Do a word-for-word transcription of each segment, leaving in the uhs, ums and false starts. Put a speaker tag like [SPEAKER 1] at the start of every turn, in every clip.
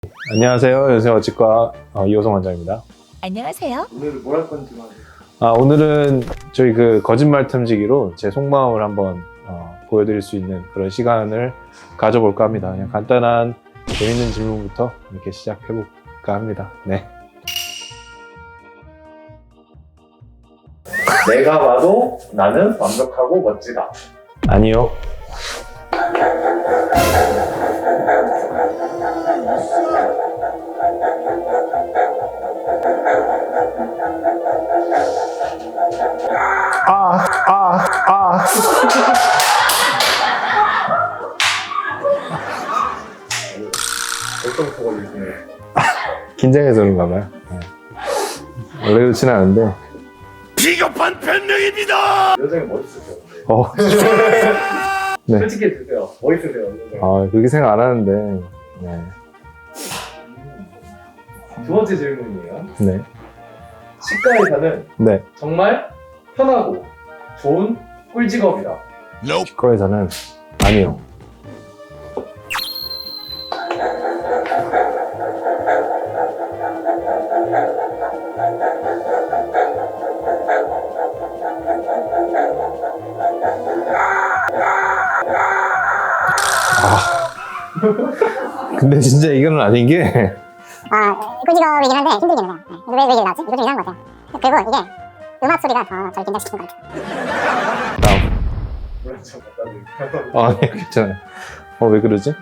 [SPEAKER 1] 안녕하세요. 연세어치과 어, 이호성 원장입니다.
[SPEAKER 2] 안녕하세요.
[SPEAKER 3] 오늘 뭘 할 건지만.
[SPEAKER 1] 아, 오늘은 저희 그 거짓말 탐지기로 제 속마음을 한번 어, 보여드릴 수 있는 그런 시간을 가져볼까 합니다. 그냥 간단한 재밌는 질문부터 이렇게 시작해볼까 합니다. 네.
[SPEAKER 3] 내가 봐도 나는 완벽하고 멋지다.
[SPEAKER 1] 아니요. 아, 아, 아.
[SPEAKER 3] 벌써부터 걸리시네.
[SPEAKER 1] 긴장해서 그런가 봐요. 네. 원래 그렇진 않은데.
[SPEAKER 4] 비겁한 변명입니다.
[SPEAKER 3] 여전히 멋있으세요. 근데.
[SPEAKER 1] 어. 네.
[SPEAKER 3] 솔직히 해주세요. 멋있으세요. 여전히.
[SPEAKER 1] 아, 그렇게 생각 안 하는데. 네.
[SPEAKER 3] 두 번째 질문이에요.
[SPEAKER 1] 네.
[SPEAKER 3] 치과의사는
[SPEAKER 1] 네.
[SPEAKER 3] 정말 편하고 좋은 꿀직업이다.
[SPEAKER 1] 치과에서는 아니요. 아. 근데 진짜 이거는 아닌 게
[SPEAKER 5] 아, 꿀직업이긴 한데 힘들긴 해요. 네. 왜, 왜 이게 나왔지? 이거 좀 이상한 것 같아요. 그리고 이게 음악 소리가 더 저를 긴장시키는 것 같아요.
[SPEAKER 1] 다음.
[SPEAKER 3] 물론 좀 갖다 드릴게요.
[SPEAKER 1] 아, 네, 괜찮아요. 어, 왜 그러지?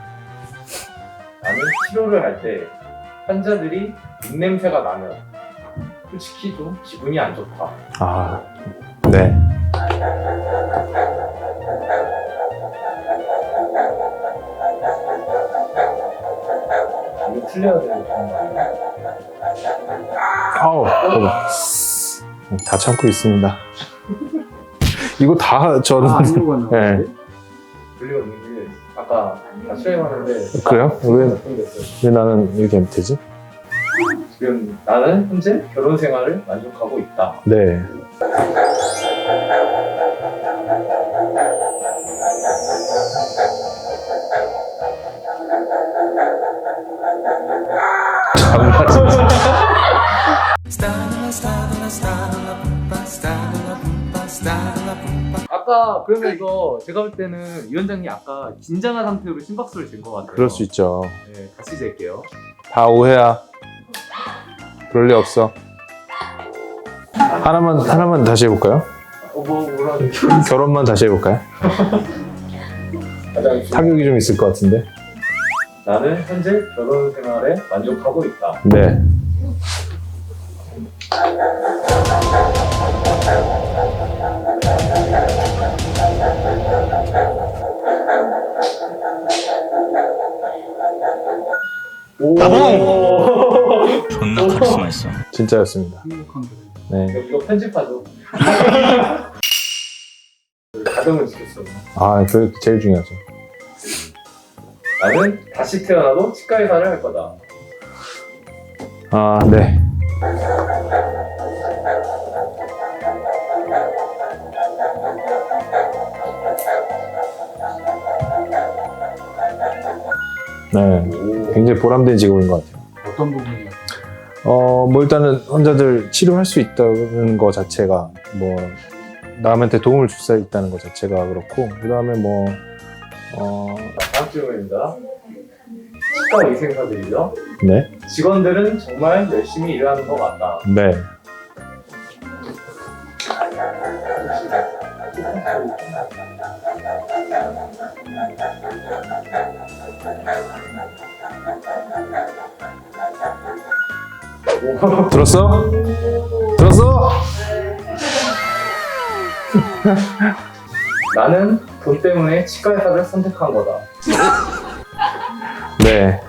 [SPEAKER 3] 나는 치료를 할 때 환자들이 입냄새가 나면 솔직히 좀 기분이 안 좋다.
[SPEAKER 1] 아, 네.
[SPEAKER 3] 이거 틀려야 되는 건가요?
[SPEAKER 1] 아우, 봐봐. 다 참고 있습니다. 이거 다 저는.
[SPEAKER 3] 아, 이유가 나왔는데?
[SPEAKER 1] 네.
[SPEAKER 3] 들리고 있는 게 아까 다 수행하는데
[SPEAKER 1] 그래요? 왜,
[SPEAKER 3] 걱정됐어요.
[SPEAKER 1] 왜 나는 이렇게 되지?
[SPEAKER 3] 지금 나는 현재 결혼 생활을 만족하고 있다.
[SPEAKER 1] 네. 참나 진짜.
[SPEAKER 3] 아까 그러면 이거 제가 볼 때는 위원장님 아까 긴장한 상태로 심박수를 잰 것 같아요.
[SPEAKER 1] 그럴 수 있죠.
[SPEAKER 3] 네, 다시 잴게요.
[SPEAKER 1] 다 오해야. 그럴 리 없어. 하나만, 하나만 다시 해볼까요?
[SPEAKER 3] 어, 뭐 뭐라는
[SPEAKER 1] 결혼만 다시 해볼까요?
[SPEAKER 3] 가장
[SPEAKER 1] 타격이 좀 있을 것 같은데.
[SPEAKER 3] 나는 현재 결혼 생활에 만족하고 있다.
[SPEAKER 1] 네.
[SPEAKER 3] 오.
[SPEAKER 4] 존나 카리스마 있어.
[SPEAKER 1] 진짜였습니다. 네.
[SPEAKER 3] 이거 편집하죠. 가정을 지켰어.
[SPEAKER 1] 아, 그 제일 중요하죠.
[SPEAKER 3] 나는 다시 태어나도 치과 의사를 할 거다.
[SPEAKER 1] 아, 네. 네. 굉장히 보람된 직업인 것 같아요.
[SPEAKER 3] 어떤 부분이?
[SPEAKER 1] 어, 뭐 일단은 환자들 치료할 수 있다는 것 자체가 뭐 남한테 도움을 줄 수 있다는 것 자체가 그렇고, 그 다음에 뭐 어,
[SPEAKER 3] 다음 질문입니다. 치과 의생사들이죠.
[SPEAKER 1] 네,
[SPEAKER 3] 직원들은 정말 열심히 일하는 것 같다.
[SPEAKER 1] 네,
[SPEAKER 3] 오.
[SPEAKER 1] 들었어? 들었어?
[SPEAKER 3] 나는 돈 때문에 치과 의사를 선택한 거다.
[SPEAKER 1] 네.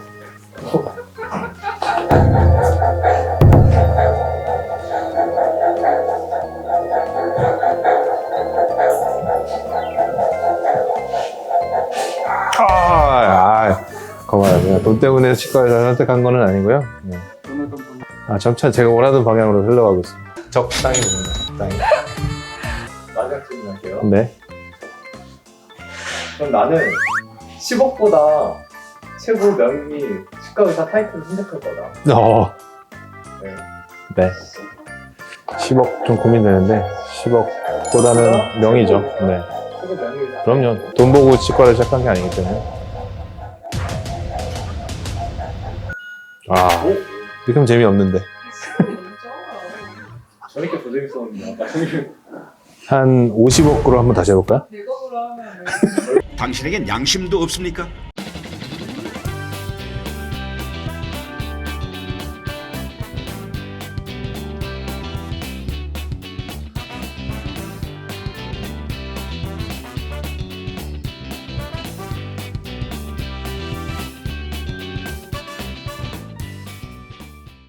[SPEAKER 1] 아, 아, 고마워요. 그냥 돈 때문에 치과를 선택한 거는 아니고요. 네. 아, 점차 제가 원하는 방향으로 흘러가고 있습니다. 적당히 봅니다. 적당히.
[SPEAKER 3] 마지막 질문할게요.
[SPEAKER 1] 네.
[SPEAKER 3] 그럼 나는 십억보다 최고 명의 치과 의사 타이틀을 선택할 거다.
[SPEAKER 1] 어.
[SPEAKER 3] 네.
[SPEAKER 1] 네. 십억 좀 고민되는데 십억보다는 명의죠. 네.
[SPEAKER 3] 최고 명의 의사.
[SPEAKER 1] 그럼요. 돈 보고 치과를 시작한 게 아니기 때문에. 아,
[SPEAKER 3] 오?
[SPEAKER 1] 이렇게 하면 재미없는데.
[SPEAKER 3] 저렇게 더 재밌었는데 아까 형님.
[SPEAKER 1] 한 오십억으로 한번 다시 해볼까요?
[SPEAKER 2] 대박으로 하면
[SPEAKER 4] 당신에겐 양심도 없습니까?